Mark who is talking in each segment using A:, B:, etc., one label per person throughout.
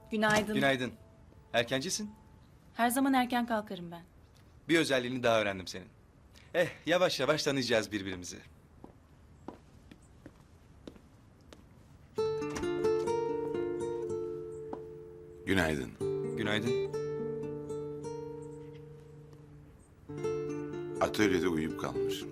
A: Günaydın.
B: Günaydın. Erkencisin.
A: Her zaman erken kalkarım ben.
B: Bir özelliğini daha öğrendim senin. Yavaş yavaş tanıyacağız birbirimizi.
C: Günaydın.
B: Günaydın.
C: Atölyede uyuyup kalmışım.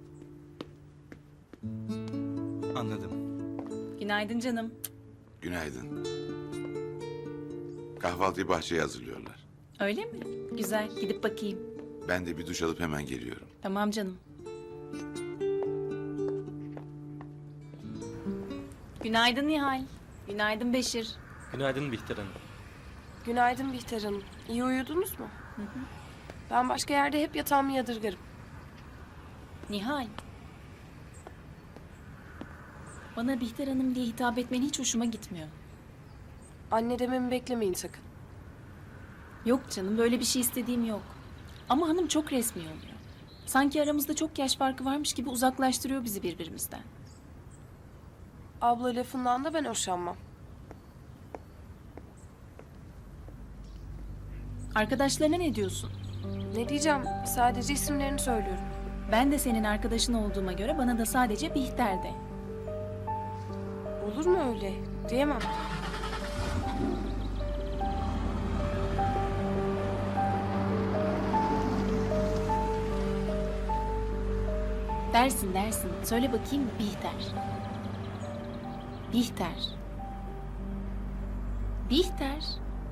B: Anladım.
A: Günaydın canım.
C: Günaydın. Kahvaltıyı bahçeye hazırlıyorlar.
A: Öyle mi? Güzel. Gidip bakayım.
C: Ben de bir duş alıp hemen geliyorum.
A: Tamam canım. Günaydın Nihal. Günaydın Beşir.
D: Günaydın Bihter Hanım.
E: Günaydın Bihter Hanım. İyi uyudunuz mu? Ben başka yerde hep yatağımı yadırgarım.
A: Nihal. Bana Bihter Hanım diye hitap etmen hiç hoşuma gitmiyor.
E: Anne dememi beklemeyin sakın.
A: Yok canım, böyle bir şey istediğim yok. Ama hanım çok resmi oluyor. Sanki aramızda çok yaş farkı varmış gibi uzaklaştırıyor bizi birbirimizden.
E: Abla lafından da ben hoşlanmam.
A: Arkadaşlarına ne diyorsun?
E: Ne diyeceğim? Sadece isimlerini söylüyorum.
A: Ben de senin arkadaşın olduğuma göre bana da sadece Bihter de.
E: Olur mu öyle? Diyemem.
A: Dersin dersin. Söyle bakayım Bihter. Bihter. Bihter.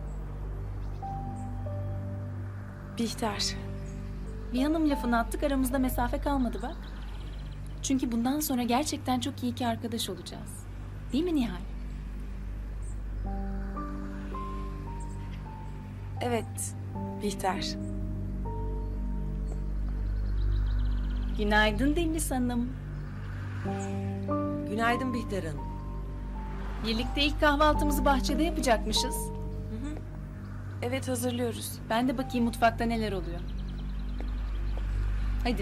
E: Bihter.
A: Bir hanım lafını attık, aramızda mesafe kalmadı bak. Çünkü bundan sonra gerçekten çok iyi ki arkadaş olacağız. Değil mi Nihal?
E: Evet. Bihter.
A: Günaydın Deniz Hanım.
F: Günaydın Bihter Hanım.
A: Birlikte ilk kahvaltımızı bahçede yapacakmışız.
E: Evet hazırlıyoruz.
A: Ben de bakayım mutfakta neler oluyor. Hadi.